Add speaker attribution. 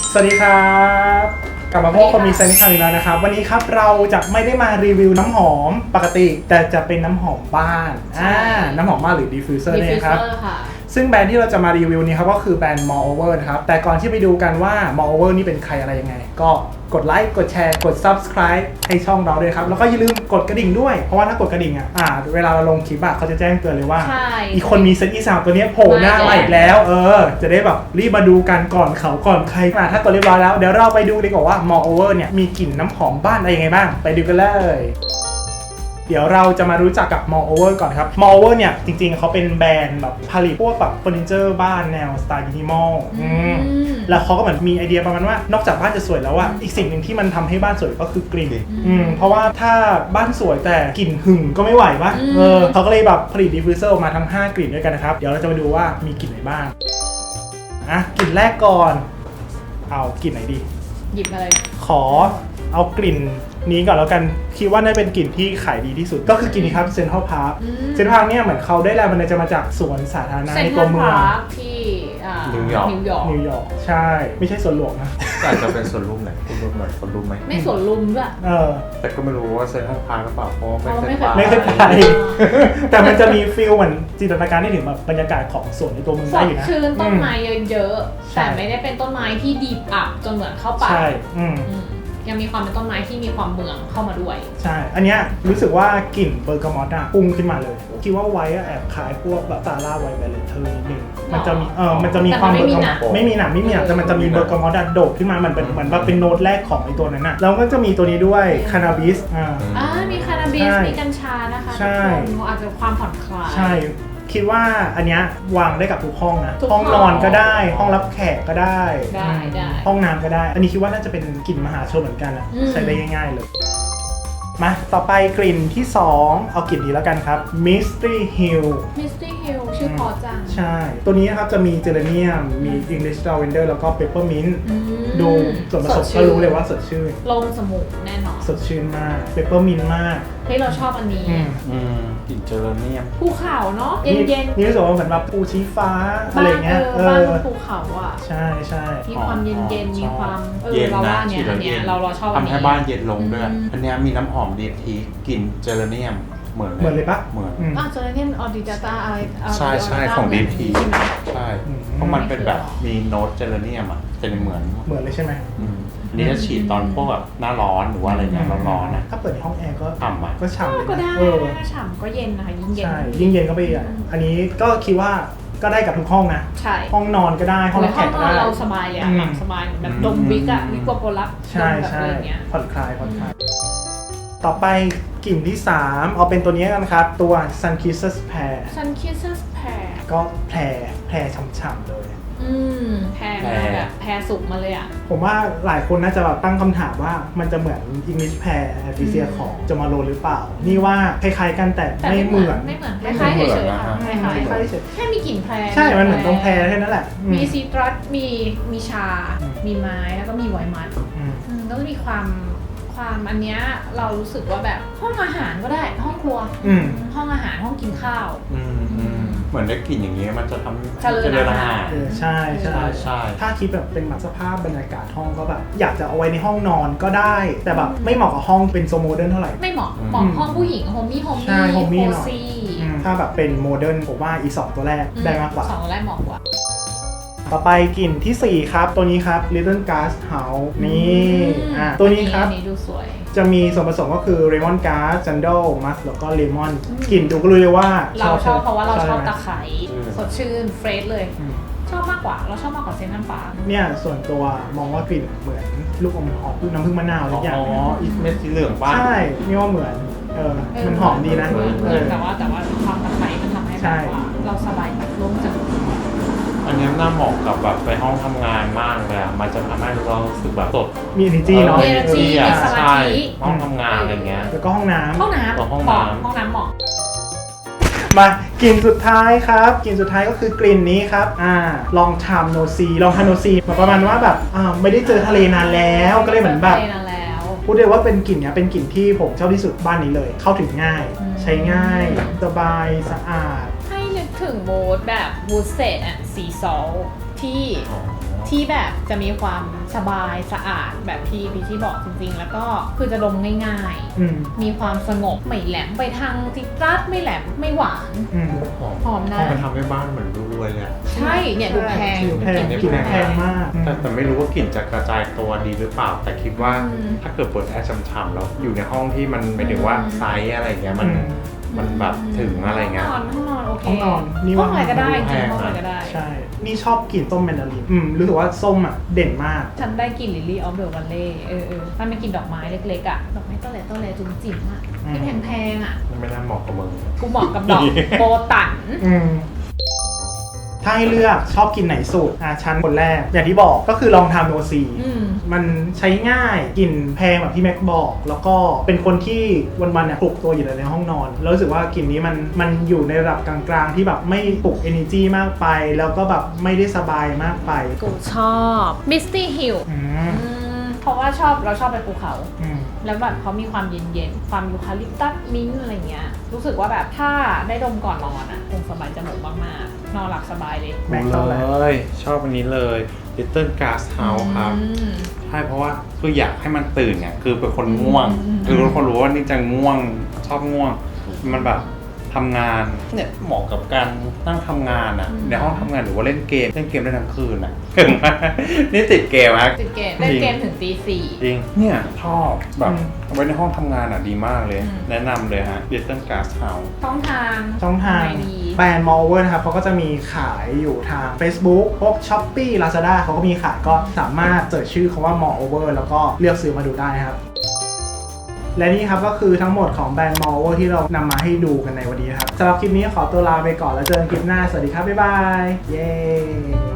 Speaker 1: สวัสดีครับกลับมาพบกับมีเซนต์ครั้งอีกแล้วนะครับวันนี้ครับเราจะไม่ได้มารีวิวน้ำหอมปกติแต่จะเป็นน้ำหอมบ้านน้ำหอมบ้านหรือดิฟฟิวเซอร์เนี่ยครับซึ่งแบรนด์ที่เราจะมารีวิวนี้ครับก็คือแบรนด์ Moreover นะครับแต่ก่อนที่ไปดูกันว่า Moreover นี่เป็นใครอะไรยังไงก็กดไลค์กดแชร์กด Subscribe ให้ช่องเราด้วยครับแล้วก็อย่าลืมกดกระดิ่งด้วยเพราะว่าถ้ากดกระดิ่งเวลาเราลงคลิปเขาจะแจ้งเตือนเลยว่าอีกคนมีเซตอีสาวตัวนี้โผล่หน้ามาอีกแล้วจะได้แบบรีบมาดูกันก่อนเขาก่อนใครถ้ากดเรียบร้อยแล้วเดี๋ยวเราไปดูดีกว่าว่า Moreover เนี่ยมีกลิ่นน้ำหอมบ้านอะไรยังไงบ้างไปดูกันเลยเดี๋ยวเราจะมารู้จักกับ Moreover ก่อนครับ Moreover เนี่ยจริงๆเขาเป็นแบรนด์แบบผลิตพวกแบบเฟอร์นิเจอร์บ้านแนวสไตล์มินิมอลแล้วเขาก็เหมือนมีไอเดียประมาณว่านอกจากบ้านจะสวยแล้วอีกสิ่งหนึ่งที่มันทำให้บ้านสวยก็คือกลิ่นเพราะว่าถ้าบ้านสวยแต่กลิ่นหึ่งก็ไม่ไหวปะเขาก็เลยแบบผลิตดิฟฟิวเซอร์ออกมาทั้ง5กลิ่นด้วยกันนะครับเดี๋ยวเราจะมาดูว่ามีกลิ่นไหนบ้างกลิ่นแรกก่อนเอากลิ่นไหนดี
Speaker 2: หยิบมาเลย
Speaker 1: ขอเอากลิ่นนี้ก่อนแล้วกันคิดว่าน่าเป็นกลิ่นที่ขายดีที่สุดก็คือกลิ่นนี้ครับเซ็นทรัลพาร์คเนี่ยเหมือนเขาได้แรงบันดาลใจมาจากสวนสาธารณะในตัวเมือง
Speaker 2: ที่
Speaker 1: นิวยอร์กใช่ไม่ใช่สวนหลวงนะ
Speaker 3: อาจจะเป็นสวนลุมไหนคุณรู้หน่อยสวนลุมไหม
Speaker 2: ไม่สวนลุมด้วย
Speaker 3: แต่ก็ไม่รู้ว่าเซ็นทรัลพาร์คหรือเปล่าเพราะ
Speaker 1: ไม่เคยไปแต่มันจะมีฟีลเหมือนจินตนาการได้ถึงแบบบรรยากาศของสวนในตัวเมืองได้อยู่นะ
Speaker 2: ชื้นต้นไม้เยอะๆแต่ไม่ได้เป็นต้นไม้ที่ดีบอับจนเหมือนเข้าป่า
Speaker 1: ใช่
Speaker 2: ยังมีความเป็นต้นไม้ที่มีความเมืองเข้ามาด้วย
Speaker 1: ใช่อันเนี้ยรู้สึกว่ากลิ่นเบอร์กามอตพุ่งขึ้นมาเลยคิดว่าไว้แอบคล้ายพวกแบบซาร่าไวท์แวลเลนเทอร์นิดนึงมันจะมีความเบอร์กามอตไม่มีหนักแต่มันจะมีเบอร์กามอตโดดขึ้นมาเหมือนว่าเป็นโน้ตแรกของไอตัวนั้นน่ะแล้วก็จะมีตัวนี้ด้วยคานาบิส
Speaker 2: มีคานาบิสมีกัญชานะคะทุกคนอาจจะความผ่อนคลาย
Speaker 1: ใช่คิดว่าอันเนี้ยวางได้กับทุกห้องนะห้องนอนก็ได้ห้องรับแขกก็ได้ห้องน้ำก็ได้อันนี้คิดว่าน่าจะเป็นกลิ่นมหาชนเหมือนกันนะใช้ได้ง่ายๆเลยมาต่อไปกลิ่นที่2เอากลิ่นนี้แล้วกันครับ Mystery Hill
Speaker 2: ชื่อพอจัง
Speaker 1: ใช่ตัวนี้นะครับจะมีเจเรเนียมมี English Lavender แล้วก็ Peppermint ดูส่วนผสมก็รู้เลยว่าสดชื่น
Speaker 2: ลงสมูกแน่นอน
Speaker 1: สดชื่นมาก Peppermint มาก
Speaker 2: ที่เราชอบอันนี้
Speaker 3: กลิ่นเจเรเนียม
Speaker 2: ภูเขาเนาะเย็น
Speaker 1: นี่รู้สึกว่าเหมือนแบบภูชี้ฟ้าอะไรเงี้ย
Speaker 2: บ้านภูเขา
Speaker 1: ใช่
Speaker 2: มีความเย็นมีความเราว่าเนี่ยเราชอบอันนี้
Speaker 3: ทำให้บ้านเย็นลงด้วยอันนี้มีน้ำหอมดีทีกลิ่นเจเรเนียมเหมือน
Speaker 1: เลยปะ
Speaker 3: เหมือน
Speaker 2: เจเรเนียมออดิจาต้าอะไร
Speaker 3: ใช่ของดีทีใช่เพราะมันเป็นแบบมีโน้ตเจเรเนียมจะเหมือน
Speaker 1: เลยใช่ไหม
Speaker 3: นี่จะฉีดตอนพวกแบบหน้าร้อนหรือว่าอะไรเงี้ยร้อนนะ
Speaker 1: ถ้าเปิดในห้องแอร์ก็
Speaker 3: ฉ่ำ
Speaker 1: ก็ฉ่ำ
Speaker 2: ก็ได้ฉ่ำก็เย็นนะคะยิ่งเย็น
Speaker 1: ใช่ยิ่งเย็นก็ไปอันนี้ก็คิดว่าก็ได้กับทุกห้องนะ
Speaker 2: ใช่
Speaker 1: ห้องนอนก็ได้ห้องรับแขกก็ได้
Speaker 2: เราสบายเลยหลับสบายแบบดมวิกวิกโปรลัก
Speaker 1: ใช่ผ่อนคลายต่อไปกลิ่นที่3เอาเป็นตัวนี้กันครับตัว Sun Kisses Pear ก็แพรฉ่ำๆเลย
Speaker 2: แพรสุกมาเลย
Speaker 1: ผมว่าหลายคนน่าจะแบบตั้งคำถามว่ามันจะเหมือน English Pear Acacia ของจมาโรหรือเปล่านี่ว่าคล้ายๆกันแต่ไม่เหมือน
Speaker 2: คล้ายๆเฉยๆค่ะคล้ายๆแค่มีกลิ่นแพร
Speaker 1: ใช่มันเหมือนตรงแพรแค่นั้นแหละ
Speaker 2: มีซีตรัสมีชามีไม้แล้วก็มีไวน์มัดแล้วก็มีความอันเนี้ยเรารู้สึกว่าแบบห้องอาหารก็ได้ห้องครัวห้องอาหารห้องกินข้าว
Speaker 3: เหมือนได้กลิ่นอย่างเงี้ยมันจะทำ
Speaker 2: เจริญอาหาร
Speaker 1: ใช่ถ้าคิดแบบเป็นแบบสภาพบรรยากาศห้องก็แบบอยากจะเอาไว้ในห้องนอนก็ได้แต่แบบไม่เหมาะกับห้องเป็นโซโมเดิร์นเท่าไหร่
Speaker 2: ไม่เหมาะห้องผู้หญิงโฮมี่โฮมี่หน่อย
Speaker 1: ถ้าแบบเป็นโมเดิร์นผมว่าอี2ตัวแรกได้มากกว่า
Speaker 2: 2ตัวแรกเหมาะกว่า
Speaker 1: ต่อไปกลิ่นที่4ครับตัวนี้ครับ Little Glass House นี่ตัวนี้ครับ
Speaker 2: ดูสวย
Speaker 1: จะมีส่วนผสมก็คือ Lemon Grass Sandal Musk แล้วก็ Lemon กลิ่นดูก็รู้เลยว่า
Speaker 2: เราชอบเพราะว่าเราชอบตะไคร้สดชื่นเฟรชเลยชอบมากกว่าเราชอบมากกว่าเซนต์น้ำปลา
Speaker 1: เนี่ยส่วนตัวมองว่ากลิ่นเหมือนลูกอมหอมน้ำผึ้งมะนาวอะไรอย่าง
Speaker 3: อีกเม็ดสีเหลืองบ้าง
Speaker 1: ใช่นี่ว่าเหมือนมันหอมดีนะ
Speaker 2: แต่ว่าความตะไคร้มันทำให้แบบว่าเราสบายลงจาก
Speaker 3: อันนี้น่าเหมาะกับแบบไปห้องทำงานมากเลยมันจะทำให้เรารู้สึกแบบสด
Speaker 1: มี energy เนาะ
Speaker 2: energy
Speaker 3: ใช่ห้องทำงานอะไรเงี้ย
Speaker 1: แล้วก็ห้องน้ำ
Speaker 2: เหมาะ
Speaker 1: มากลิ่นสุดท้ายครับกลิ่นสุดท้ายก็คือกลิ่นนี้ครับลองทำโนซีประมาณว่าแบบไม่ได้เจอทะเลนานแล้วก็เลยเหมือนแบบพูดได้ว่าเป็นกลิ่นเนี้ยเป็นกลิ่นที่ผมชอบที่สุดบ้านนี้เลยเข้าถึงง่ายใช้ง่ายสบายสะอาด
Speaker 2: ให้นึกถึงมูดแบบมูดเซตสีซอลที่ที่แบบจะมีความสบายสะอาดแบบที่พี่ที่บอกจริงๆแล้วก็คือจะดมง่ายๆมีความสงบไม่แหลมไปทางจิตรัสไม่แหลมไม่หวานหอมนะ
Speaker 3: มันทำให้บ้านเหมือนรวยเลยอะ
Speaker 2: ใช่เนี่ยดูแพง
Speaker 1: แพงกลิ่นแพงมาก
Speaker 3: แต่ไม่รู้ว่ากลิ่นจะกระจายตัวดีหรือเปล่า แต่คิดว่าถ้าเกิดเปิดแอร์ช่ำๆแล้วอยู่ในห้องที่มันหมายถึงว่าไซส์อะไรเงี้ยมันแบบถึงอะไรเงี้ย
Speaker 2: ห้องนอนโอเค
Speaker 1: ห้องนอนนี่
Speaker 2: ห้
Speaker 1: ว่า
Speaker 2: องอะไรก็ได้จริง
Speaker 3: แพง
Speaker 2: ห้องอะไรก็ได้
Speaker 1: ใช่ นี่ชอบกลิ่นส้มแมนดารินรู้สึกว่าส้มอ่ะเด่นมาก
Speaker 2: ฉันได้กลิ่นลิลลี่ออฟเดอะวันเล่มันเป็นกลิ่นดอกไม้เล็กๆอ่ะดอกไม้ต้นแหล่จุ๋มจิ๋มอ่ะที่แพงๆอ่ะ
Speaker 3: ไม่น่าเหมาะกับมึง
Speaker 2: กูเหมาะกับดอกโบตัน
Speaker 1: ถ้าให้เลือกชอบกินไหนสุดชั้นคนแรกอย่างที่บอกก็คือลองทำโนซีมันใช้ง่ายกลิ่นแพงแบบที่แม็กบอก แล้วก็เป็นคนที่วันๆเนี่ยปลุกตัวอยู่ในห้องนอนแล้วรู้สึกว่ากลิ่นนี้มันอยู่ในระดับกลางๆที่แบบไม่ปลุก energy มากไป แล้วก็แบบไม่ได้สบายมากไป
Speaker 2: กูชอบมิสตี้ฮิลเพราะว่าเราชอบไปภูเขาแล้วแบบเขามีความเย็นๆความยูคาลิปตัสมิ้นท์อะไรเงี้ยรู้สึกว่าแบบถ้าได้ดมก่อนนอนอ่ะคงสบายจมูกมากๆนอนหลับสบายเลย
Speaker 1: แม็กซ์ชอบอะไร
Speaker 3: เลยชอบอันนี้เลย Little Glass House ครับใช่เพราะว่าคืออยากให้มันตื่นไงคือเป็นคนง่วงคือทุกคนรู้ว่านี่จะง่วงชอบง่วงมันแบบทำงานเนี่ยเหมาะกับการนั่งทำงานอ่ะในห้องทำงานหรือว่าเล่นเกมได้ทั้งคืนอ่ะถึงนี่ติดเกมอ่ะ
Speaker 2: ติดเกมเล่นเกมถึงตี 4
Speaker 3: จริงเนี่ยชอบแบบเอาไว้ในห้องทำงานอ่ะดีมากเลย แนะนำเลยฮะ Little Glass House
Speaker 2: ช่องทาง
Speaker 1: แบรนด์ Moreover นะครับเขาก็จะมีขายอยู่ทาง Facebook พวก Shopee Lazada เขาก็มีขายก็สามารถเสิร์ชชื่อคำว่า Moreover แล้วก็เลือกซื้อมาดูได้นะครับและนี่ครับก็คือทั้งหมดของแบรนด์ Moreover ที่เรานำมาให้ดูกันในวันนี้ครับสำหรับคลิปนี้ขอตัวลาไปก่อนแล้วเจอกันคลิปหน้าสวัสดีครับบ๊ายบายเย้